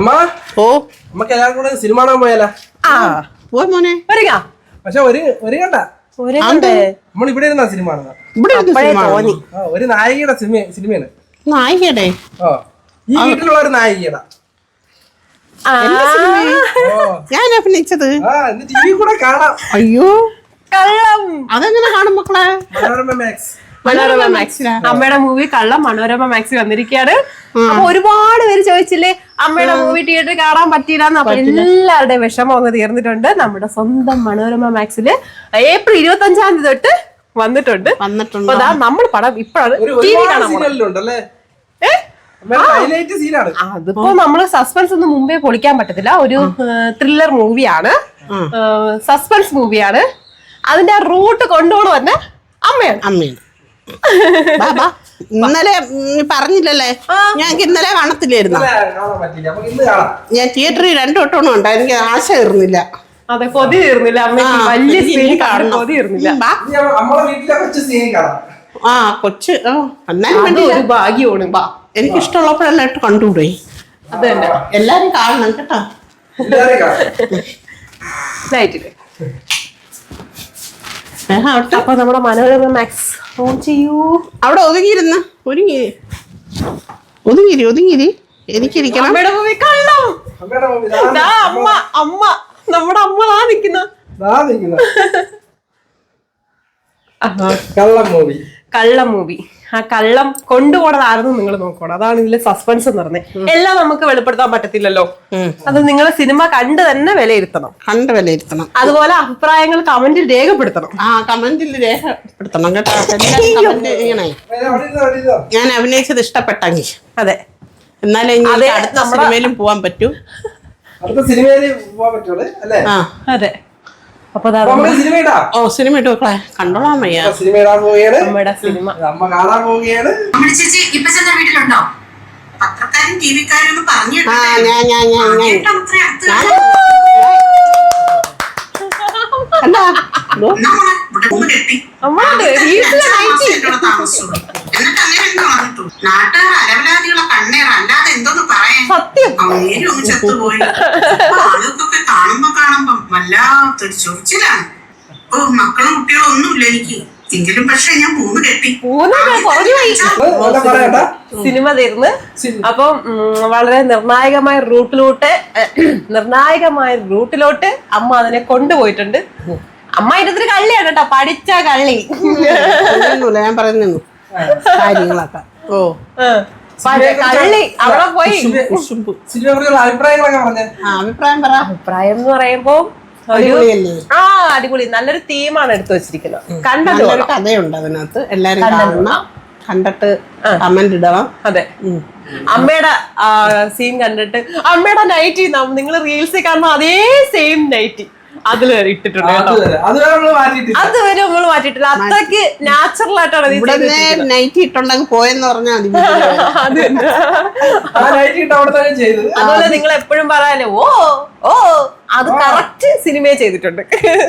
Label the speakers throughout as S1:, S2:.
S1: അമ്മ
S2: ഓ
S1: നമുക്ക് എല്ലാവർക്കും കൂടെ സിനിമ കാണാൻ പോയാലോ?
S2: പോയി മോനെ.
S1: പക്ഷെ ഒരു കണ്ട നമ്മൾ ഇവിടെ ഇരുന്നാ സിനിമ കാണുന്നത്. ഒരു നായികയുടെ സിനിമയാണ്.
S2: നായികയുടെ
S1: ഈ വീട്ടിലുള്ള ഒരു നായികയുടെ
S2: ഞാൻ അഭിനയിച്ചത്
S1: ടി വി കൂടെ കാണാം.
S2: അയ്യോ കള്ളം. അതെങ്ങനെ കാണും മക്കളെ?
S1: മനോരമ മാക്സ്.
S3: മനോരമ മാക്സ് അമ്മയുടെ മൂവി കള്ളം മനോരമ മാക്സിൽ വന്നിരിക്കുകയാണ്. അപ്പൊ ഒരുപാട് പേര് ചോദിച്ചില്ലേ അമ്മയുടെ മൂവി തിയേറ്ററിൽ കാണാൻ പറ്റിയില്ല. അപ്പൊ എല്ലാവരുടെയും വിഷമം അങ്ങ് തീർന്നിട്ടുണ്ട്. നമ്മുടെ സ്വന്തം മനോരമ മാക്സില് ഏപ്രിൽ 25 തൊട്ട് വന്നിട്ടുണ്ട്. അപ്പൊ നമ്മൾ പടം ഇപ്പോഴാണ് ടി വി കാണാൻ. അതിപ്പോ നമ്മള് സസ്പെൻസ് ഒന്നും മുമ്പേ പൊളിക്കാൻ പറ്റത്തില്ല. ഒരു ത്രില്ലർ മൂവിയാണ്, സസ്പെൻസ് മൂവിയാണ്. അതിന്റെ റൂട്ട് കൊണ്ടുപോകണം തന്നെ അമ്മയാണ്.
S2: ഇന്നലെ പറഞ്ഞില്ലല്ലേ, ഞങ്ങൾക്ക് ഇന്നലെ കാണത്തില്ലായിരുന്നു. ഞാൻ തിയേറ്ററിൽ 2 വട്ടം ഉണ്ട്. എനിക്ക് ആശ തീർന്നില്ല.
S3: അതെ, കൊതി തീർന്നില്ല. അമ്മയ്ക്ക് വലിയ സ്ക്രീനിൽ കാണണം, കൊതി തീർന്നില്ല.
S2: കൊച്ച്
S3: ഒരു ഭാഗ്യമാണ്.
S2: എനിക്ക് ഇഷ്ടമുള്ളപ്പോഴെല്ലാം ഇട്ട് കണ്ടുകൂടെ.
S3: അത് തന്നെ,
S2: എല്ലാരും കാണണം കേട്ടോ.
S3: അപ്പൊ നമ്മുടെ മനോരമ മാക്സ് ഓൺ ചെയ്യൂ.
S2: അവിടെ ഒതുങ്ങിയിരുന്ന ഒതുങ്ങിരി എനിക്കിരിക്കണം.
S3: അമ്മ നമ്മുടെ അമ്മ നിക്കുന്ന കള്ളം മൂവി. ആ കള്ളം കൊണ്ടുപോണതായിരുന്നു നിങ്ങൾ നോക്കണം. അതാണ് ഇതിലെ സസ്പെൻസ് എന്ന് പറഞ്ഞത്. എല്ലാം നമുക്ക് വെളിപ്പെടുത്താൻ പറ്റത്തില്ലല്ലോ. അത് നിങ്ങൾ സിനിമ കണ്ട് തന്നെ വിലയിരുത്തണം. അതുപോലെ അഭിപ്രായങ്ങൾ കമന്റിൽ രേഖപ്പെടുത്തണം.
S2: കേട്ടോ. ഞാൻ അഭിനയിച്ചത് ഇഷ്ടപ്പെട്ടെങ്കിൽ
S3: അതെ,
S2: എന്നാലേ അടുത്ത സിനിമയിലും പോവാൻ പറ്റൂ.
S3: അതെ. അപ്പൊ
S2: സിനിമ ഇട്ട് കണ്ടോളാൻ വയ്യ.
S3: നമ്മുടെ സിനിമ
S4: പത്രക്കാരും ടിവിക്കാരും പറഞ്ഞു നാട്ടുകാർ അലവലാദികളെ കണ്ണേറ അല്ലാതെ എന്തോന്ന് പറയാൻ. അങ്ങേരും ചത്തുപോയി. ആളുകൾക്കൊക്കെ കാണുമ്പോ വല്ലാത്തൊരു ചൊറിച്ചിലാണ്. മക്കളും കുട്ടികളും ഒന്നുമില്ല എനിക്ക്. എങ്കിലും പക്ഷെ ഞാൻ പൂന്ന് കെട്ടി.
S3: സിനിമ തീർന്ന് അപ്പം വളരെ നിർണായകമായ റൂട്ടിലോട്ട് അമ്മ അതിനെ കൊണ്ടുപോയിട്ടുണ്ട്. അമ്മ ഇതിന് കള്ളിയാണ് കേട്ടോ, പഠിച്ച കള്ളി.
S2: ഞാൻ പറഞ്ഞു കാര്യങ്ങളൊക്കെ.
S3: കള്ളി അവിടെ പോയി.
S2: അഭിപ്രായം
S3: എന്ന് പറയുമ്പോ അടിപൊളി, നല്ലൊരു തീമാണ് എടുത്തു വെച്ചിരിക്കുന്നത്. കണ്ടല്ലോ,
S2: കഥയുണ്ട് അതിനകത്ത്. എല്ലാരും കണ്ടിട്ട് കമന്റ് ഇടണം.
S3: അതെ, അമ്മയുടെ സീൻ കണ്ടിട്ട് അമ്മയുടെ നൈറ്റി നിങ്ങൾ റീൽസിൽ കാണുന്ന അതേ സെയിം നൈറ്റി അതില് ഇട്ടിട്ടുണ്ട്. അതുവരെ നമ്മൾ മാറ്റിയിട്ടില്ല. അത്രക്ക് നാച്ചുറൽ ആയിട്ടാണ്
S2: നൈറ്റി ഇട്ടുണ്ടെങ്കിൽ പോയെന്ന് പറഞ്ഞാൽ
S3: അതുപോലെ നിങ്ങൾ എപ്പോഴും പറയാലോ ഓ അത് കറക്റ്റ് സിനിമയെ ചെയ്തിട്ടുണ്ട്.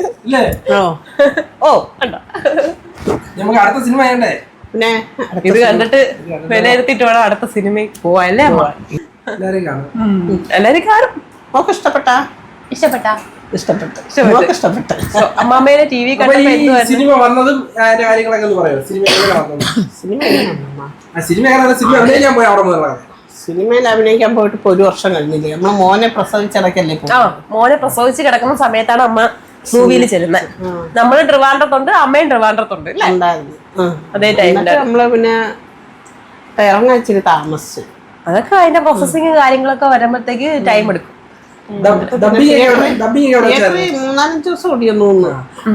S3: കണ്ടോ,
S1: അടുത്ത സിനിമ
S3: പിന്നെ ഇത് കണ്ടിട്ട് വിലയിരുത്തിട്ട് വേണം അടുത്ത സിനിമയ്ക്ക് പോവാല്ലേ. അമ്മ എല്ലാരും കാണും. ഇഷ്ടപ്പെട്ട അമ്മാമ്മേനെ ടി വി
S1: സിനിമ വന്നതും
S2: സിനിമയിൽ അഭിനയിക്കാൻ പോയിട്ട് ഇപ്പൊ 1 വർഷം കഴിഞ്ഞില്ലേ. നമ്മളെ മോനെ പ്രസവിച്ചിടക്കല്ലേ.
S3: മോനെ പ്രസവിച്ച് കിടക്കുന്ന സമയത്താണ് അമ്മ മൂവിയിൽ ചെല്ലുന്നത്. നമ്മള് ട്രിവാൻഡ്രത്തുണ്ട്, അമ്മയും ട്രിവാൻഡ്രത്തുണ്ട് അതേ ടൈമില്.
S2: നമ്മള് പിന്നെ ഇറങ്ങാൻ ഇച്ചിരി താമസിച്ചു.
S3: അതൊക്കെ അതിന്റെ പ്രോസസ്സിങ് കാര്യങ്ങളൊക്കെ വരുമ്പോഴത്തേക്ക് ടൈം എടുക്കും.
S2: 3-4 ദിവസം ഓടിയെന്ന് തോന്നുന്നു.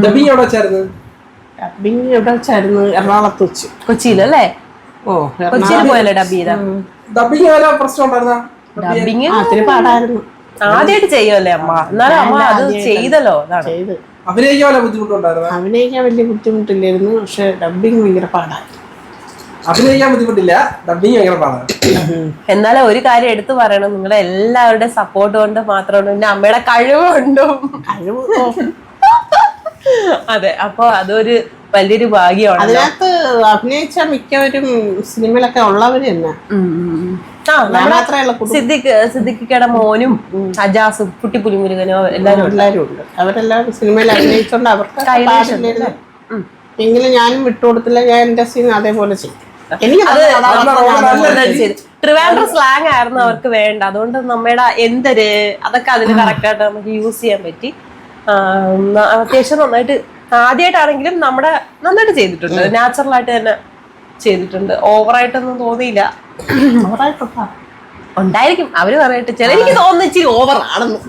S2: ഡബിങ് എവിടെ വെച്ചായിരുന്നു? എറണാകുളത്ത് വെച്ച്.
S3: കൊച്ചിയിലല്ലേ? കൊച്ചിയിൽ പോയല്ലേ ഡബ് ചെയ്ത? ഡബിങ്
S2: ഒത്തിരി പാടായിരുന്നു.
S3: ആദ്യമായിട്ട് ചെയ്യുമല്ലേ അമ്മ? എന്നാലും അമ്മ അത് ചെയ്തല്ലോ.
S1: അഭിനയിക്കാൻ
S2: വലിയ ബുദ്ധിമുട്ടില്ലായിരുന്നു. പക്ഷെ ഡബിങ് ഭയങ്കര പാടായിരുന്നു.
S1: അഭിനയിക്കാൻ ബുദ്ധിമുട്ടില്ല, ഡബിങ് ഭയങ്കര പാടാണ്.
S3: എന്നാലും ഒരു കാര്യം എടുത്തു പറയണം, നിങ്ങളെ എല്ലാവരുടെ സപ്പോർട്ട് കൊണ്ട് മാത്രമാണ്. പിന്നെ അമ്മയുടെ കഴിവുകൊണ്ടും അതെ, അപ്പൊ അതൊരു വലിയൊരു ഭാഗ്യമാണ്.
S2: അതിനകത്ത് അഭിനയിച്ച മിക്കവരും സിനിമയിലൊക്കെ ഉള്ളവര് തന്നെ.
S3: സിദ്ദിഖിക്കയുടെ മോനും അജാസും കുട്ടിപ്പുലിമുരുകനോ എല്ലാരും
S2: ഉണ്ട്. അവരെല്ലാവരും സിനിമയിൽ അഭിനയിച്ചോണ്ട് അവർക്ക് എങ്കിലും ഞാനും വിട്ടുകൊടുത്തില്ല. ഞാൻ എന്റെ സീൻ അതേപോലെ ചെയ്യും.
S3: ട്രിവാൻഡ്രം സ്ലാങ് ആയിരുന്നു അവർക്ക് വേണ്ട. അതുകൊണ്ട് നമ്മുടെ എന്തൊരു അതൊക്കെ അതിന് കറക്റ്റായിട്ട് നമുക്ക് യൂസ് ചെയ്യാൻ പറ്റി. അത്യാവശ്യം നന്നായിട്ട് ആദ്യമായിട്ടാണെങ്കിലും നമ്മുടെ നന്നായിട്ട് ചെയ്തിട്ടുണ്ട്. നാച്ചുറൽ ആയിട്ട് തന്നെ ചെയ്തിട്ടുണ്ട്. ഓവറായിട്ടൊന്നും തോന്നിയില്ല. ഉണ്ടായിരിക്കും അവര് പറയട്ടെ. ചില എനിക്ക് തോന്നുന്നു ഇച്ചിരി ഓവർ ആണെന്ന്.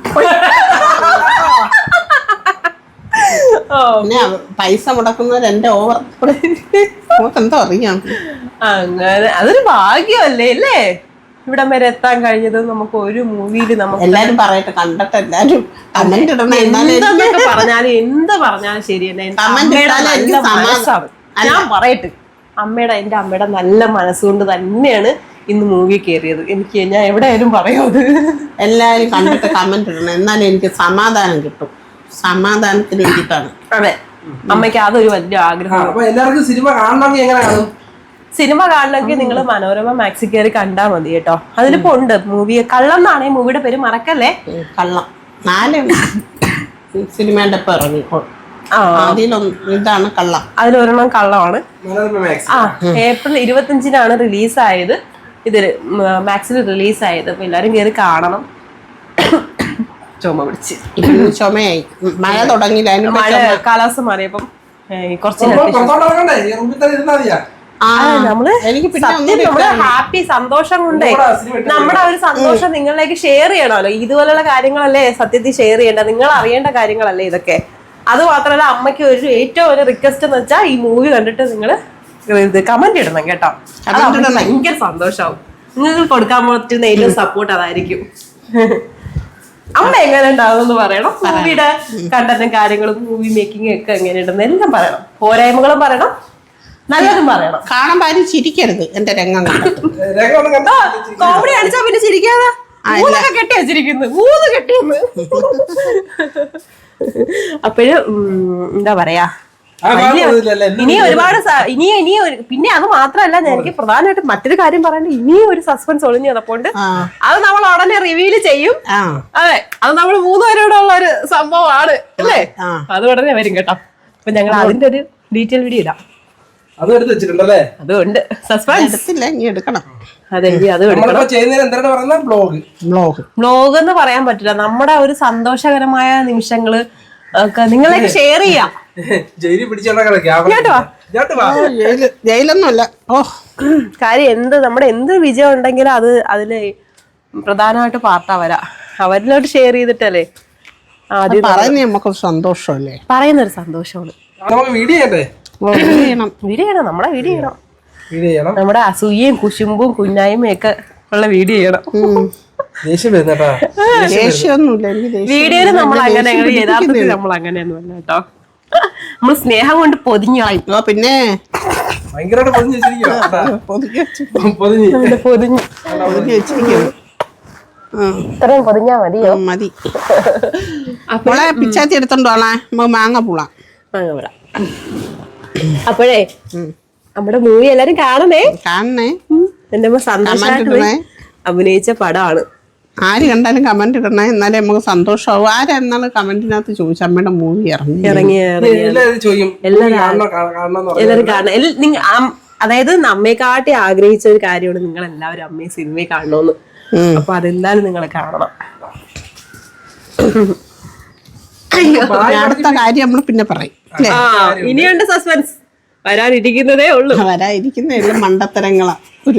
S2: പിന്നെ പൈസ മുടക്കുന്നവർ എന്റെ ഓവർ എന്തോ അറിയാം.
S3: അങ്ങനെ അതൊരു ഭാഗ്യമല്ലേ അല്ലേ ഇവിടം വരെ എത്താൻ കഴിഞ്ഞത്. നമുക്ക് ഒരു മൂവിയില് നമുക്ക്
S2: എല്ലാരും പറയട്ടെ, കണ്ടിട്ട് എല്ലാരും കമന്റ് ഇടണം.
S3: എന്തൊക്കെ പറഞ്ഞാലും എന്ത് പറഞ്ഞാലും ശരി തന്നെ. ഞാൻ പറയട്ടെ, എന്റെ അമ്മയുടെ നല്ല മനസ്സുകൊണ്ട് തന്നെയാണ് ഇന്ന് മൂവി കയറിയത്. ഞാൻ എവിടെയായാലും പറയും അത്.
S2: എല്ലാരും കണ്ടിട്ട് കമന്റ് ഇടണം, എന്നാലും എനിക്ക് സമാധാനം കിട്ടും. സമാധാനത്തിന് വേണ്ടിയിട്ടാണ്.
S3: അതെ, അമ്മയ്ക്ക് അതൊരു വലിയ ആഗ്രഹം.
S1: എല്ലാവർക്കും സിനിമ കാണണമെങ്കിൽ എങ്ങനെ കാണും?
S3: സിനിമ കാണണമെങ്കിൽ നിങ്ങൾ മനോരമ മാക്സി കയറി കണ്ടാൽ മതി കേട്ടോ. അതിലിപ്പോ ഉണ്ട് മൂവി. കള്ളം എന്നാണ് ഈ മൂവിയുടെ പേര്, മറക്കല്ലേ.
S2: കള്ളം 4 സിനിമയുടെ ഇപ്പൊ ഇറങ്ങിക്കോളും. ഇതാണ് കള്ളം.
S3: അതിലൊരെണ്ണം കള്ളമാണ്. ഏപ്രിൽ 25-നാണ് റിലീസായത്. ഇത് മാക്സിൽ റിലീസായത്. അപ്പൊ എല്ലാരും കയറി കാണണം. ചുമ പിടിച്ച്
S2: ചുമയായി. മഴ തുടങ്ങിയില്ല.
S3: മഴ കാലാവസ്ഥ മാറിയപ്പം കുറച്ച് നമ്മള് ഹാപ്പി സന്തോഷം കൊണ്ടേ നമ്മുടെ ഒരു സന്തോഷം നിങ്ങളിലേക്ക് ഷെയർ ചെയ്യണമല്ലോ. ഇതുപോലുള്ള കാര്യങ്ങളല്ലേ സത്യത്തിൽ ഷെയർ ചെയ്യേണ്ട, നിങ്ങൾ അറിയേണ്ട കാര്യങ്ങളല്ലേ ഇതൊക്കെ. അത് മാത്രമല്ല, അമ്മയ്ക്ക് ഏറ്റവും ഒരു റിക്വസ്റ്റ് എന്ന് വെച്ചാൽ ഈ മൂവി കണ്ടിട്ട് നിങ്ങൾ കമന്റ് ഇടണം കേട്ടോ. അത് ഭയങ്കര സന്തോഷമാവും. നിങ്ങൾക്ക് കൊടുക്കാൻ പറ്റുന്ന ഏറ്റവും സപ്പോർട്ട് അതായിരിക്കും. അമ്മ എങ്ങനെ ഉണ്ടാവും പറയണം. മൂവിയുടെ കണ്ടന്റും കാര്യങ്ങളും മൂവി മേക്കിംഗ് ഒക്കെ എങ്ങനെയുണ്ടെന്ന് എല്ലാം പറയണം. പോരായ്മകളും പറയണം, നല്ലതും പറയണം.
S2: കാണാൻ ചിരിക്കരുത്. എന്റെ രംഗം
S3: കോമഡി അടിച്ചാ പിന്നെ ചിരിക്കാതെ കെട്ടി വെച്ചിരിക്കുന്നു. 3 കെട്ടിയെന്ന്. അപ്പോഴും എന്താ പറയാ, ഇനി ഒരുപാട് പിന്നെ അത് മാത്രമല്ല, എനിക്ക് പ്രധാനമായിട്ട് മറ്റൊരു കാര്യം പറയാനുണ്ട്. ഇനിയും ഒരു സസ്പെൻസ് ഒളിഞ്ഞു കിടപ്പുണ്ട്. അത് നമ്മൾ ഉടനെ റിവീൽ ചെയ്യും. അതെ, അത് നമ്മൾ 3 പേരോടെ ഉള്ള ഒരു സംഭവമാണ് അല്ലേ. അത് ഉടനെ വരും കേട്ടോ. അപ്പൊ ഞങ്ങൾ അതിന്റെ ഒരു ഡീറ്റെയിൽ വീഡിയോ ഇടാം. അതുകൊണ്ട് സസ്പെൻസ്
S2: എടുക്കണം.
S3: അതെ, അത് വ്ലോഗ് എന്ന് പറയാൻ പറ്റില്ല. നമ്മുടെ ഒരു സന്തോഷകരമായ നിമിഷങ്ങള് ഒക്കെ നിങ്ങളൊക്കെ ഷെയർ ചെയ്യാം.
S2: ജയിലൊന്നുമല്ല.
S3: കാര്യം നമ്മുടെ എന്ത് വിജയം ഉണ്ടെങ്കിലും അത് അതില് പ്രധാനമായിട്ട് പാർട്ടാ വരാം. അവരിലോട്ട് ഷെയർ ചെയ്തിട്ടല്ലേ ആദ്യം
S2: നമുക്ക് സന്തോഷമല്ലേ,
S3: പറയുന്നൊരു സന്തോഷമാണ്. വീഡിയോ ചെയ്യണം, നമ്മുടെ വീഡിയോ ചെയ്യണം. നമ്മുടെ അസൂയയും കുശുമ്പും കുഞ്ഞായ്മയും ഒക്കെ ഉള്ള വീഡിയോ ചെയ്യണം. വീഡിയോയില് നമ്മൾ അങ്ങനെ, യഥാർത്ഥത്തിൽ നമ്മൾ അങ്ങനെയൊന്നുമല്ല കേട്ടോ. നമ്മൾ സ്നേഹം കൊണ്ട് പൊതിഞ്ഞായി.
S2: പിന്നെ
S3: ഇത്രയും പൊതിഞ്ഞാ മതിയോ?
S2: മതി. അപ്പോളെ പിച്ചാത്തി എടുത്തോണ്ടോളാ, മാങ്ങ പൂളാം.
S3: അപ്പോഴേ നമ്മുടെ മൂവി എല്ലാരും കാണണേ. എന്റെ സന്തോഷമായിട്ട് അഭിനയിച്ച പടമാണ്.
S2: ആര് കണ്ടാലും കമന്റ് ഇടണേ, എന്നാലേ നമുക്ക് സന്തോഷമാവും. ആരെന്നാലും കമന്റിനകത്ത് ചോദിച്ചു അമ്മയുടെ മൂവി
S3: ഇറങ്ങി എല്ലാരും കാണണം. അതായത് നമ്മെക്കാട്ടി ആഗ്രഹിച്ച ഒരു കാര്യമാണ് നിങ്ങൾ എല്ലാവരും അമ്മയെ സിനിമയെ കാണണമെന്ന്. അപ്പൊ അതെന്തായാലും നിങ്ങൾ കാണണം.
S2: അടുത്ത കാര്യം നമ്മൾ പിന്നെ പറയും.
S3: ഇനിയുണ്ട് സസ്പെൻസ്, വരാനിരിക്കുന്നതേ ഉള്ളൂ.
S2: വരാനിരിക്കുന്ന മണ്ടത്തരങ്ങളാ,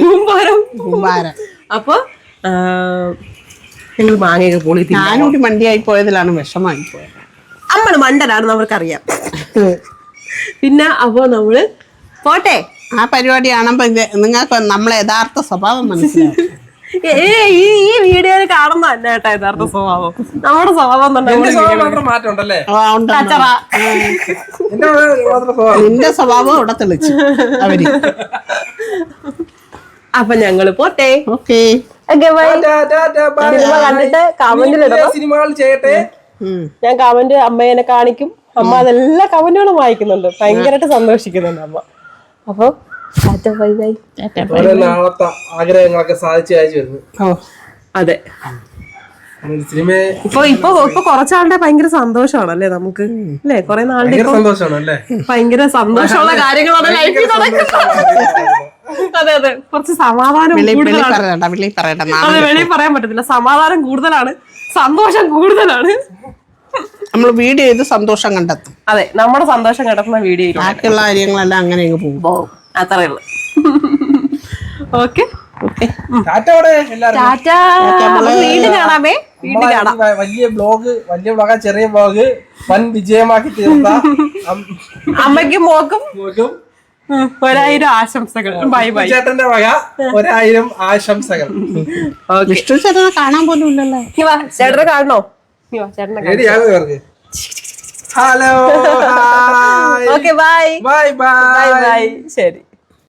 S3: അപ്പൊ ഞങ്ങൾ മാങ്ങയൊക്കെ പൊളി.
S2: ഞാനൂടി മണ്ടിയായി പോയതിലാണ് വിഷമായി പോയത്.
S3: അമ്മള് മണ്ടനാണെന്ന് അവർക്കറിയാം. പിന്നെ അപ്പൊ നമ്മള് പോട്ടെ.
S2: ആ പരിപാടി കാണുമ്പോ നിങ്ങൾക്ക് നമ്മളെ യഥാർത്ഥ സ്വഭാവം മനസ്സിലാവും.
S3: ഈ വീഡിയോയിൽ കാണുന്ന തന്നെ കേട്ടോ യഥാർത്ഥ സ്വഭാവം. നമ്മുടെ സ്വഭാവം
S2: നിന്റെ സ്വഭാവം ഇവിടെ തെളിച്ചു അവര്.
S3: അപ്പൊ ഞങ്ങള് പോട്ടെ.
S2: ഓക്കെ,
S3: സിനിമ കണ്ടിട്ട് കമന്റിൽ ഇടണം.
S1: സിനിമകൾ ചെയ്യട്ടെ.
S3: ഞാൻ കമന്റ് അമ്മേനെ കാണിക്കും. അമ്മ അതെല്ലാ കമന്റുകളും വായിക്കുന്നുണ്ട്, ഭയങ്കരമായിട്ട് സന്തോഷിക്കുന്നുണ്ട് അമ്മ. അപ്പൊ ബൈ ബൈ.
S1: ഓരോ നാളത്തെ ആഗ്രഹങ്ങളൊക്കെ സാധിച്ചു അയച്ചു വരുന്നു.
S3: അതെ,
S1: സിനിമ
S3: ഇപ്പൊ കുറച്ചാളുടെ ഭയങ്കര സന്തോഷമാണല്ലേ നമുക്ക്, അല്ലേ? കുറെ നാളുടെ
S1: സന്തോഷമാണ് അല്ലേ?
S3: ഭയങ്കര സന്തോഷമുള്ള കാര്യങ്ങളാണ് ലൈഫിൽ നടക്കുന്നത്. അതെ അതെ, കുറച്ച് സമാധാനം കൂടുതലാണ്. അതെ, വെളിയിൽ പറയാൻ പറ്റത്തില്ല. സമാധാനം കൂടുതലാണ്, സന്തോഷം കൂടുതലാണ്.
S2: നമ്മൾ വീഡിയോ ചെയ്ത് സന്തോഷം കണ്ടെത്തും.
S3: അതെ, നമ്മുടെ സന്തോഷം കണ്ടെത്തുന്ന വീഡിയോ.
S2: ബാക്കിയുള്ള കാര്യങ്ങളെല്ലാം അങ്ങനെ പോകും.
S3: അത്രേ ഉള്ളു. Okay,
S1: tata.
S3: വീണ്ടും കാണാമേ. വീണ്ടും കാണാം.
S1: വലിയ ബ്ലോഗ് ചെറിയ ബ്ലോഗ് വൻ വിജയമാക്കി തീർത്ത
S3: അമ്മയ്ക്കും മോക്കും 1000 ആശംസകൾ. Bye bye.
S1: ചേട്ടന്റെ വക 1000 ആശംസകൾ.
S2: വിഷ്ണു ചേട്ടനെ കാണാൻ പോലും ഇല്ലല്ലോ.
S3: ചേട്ടനെ കാണണോ? ചേട്ടനെ
S1: hello.
S3: Okay, bye
S1: bye bye.
S3: Bye. ശരി.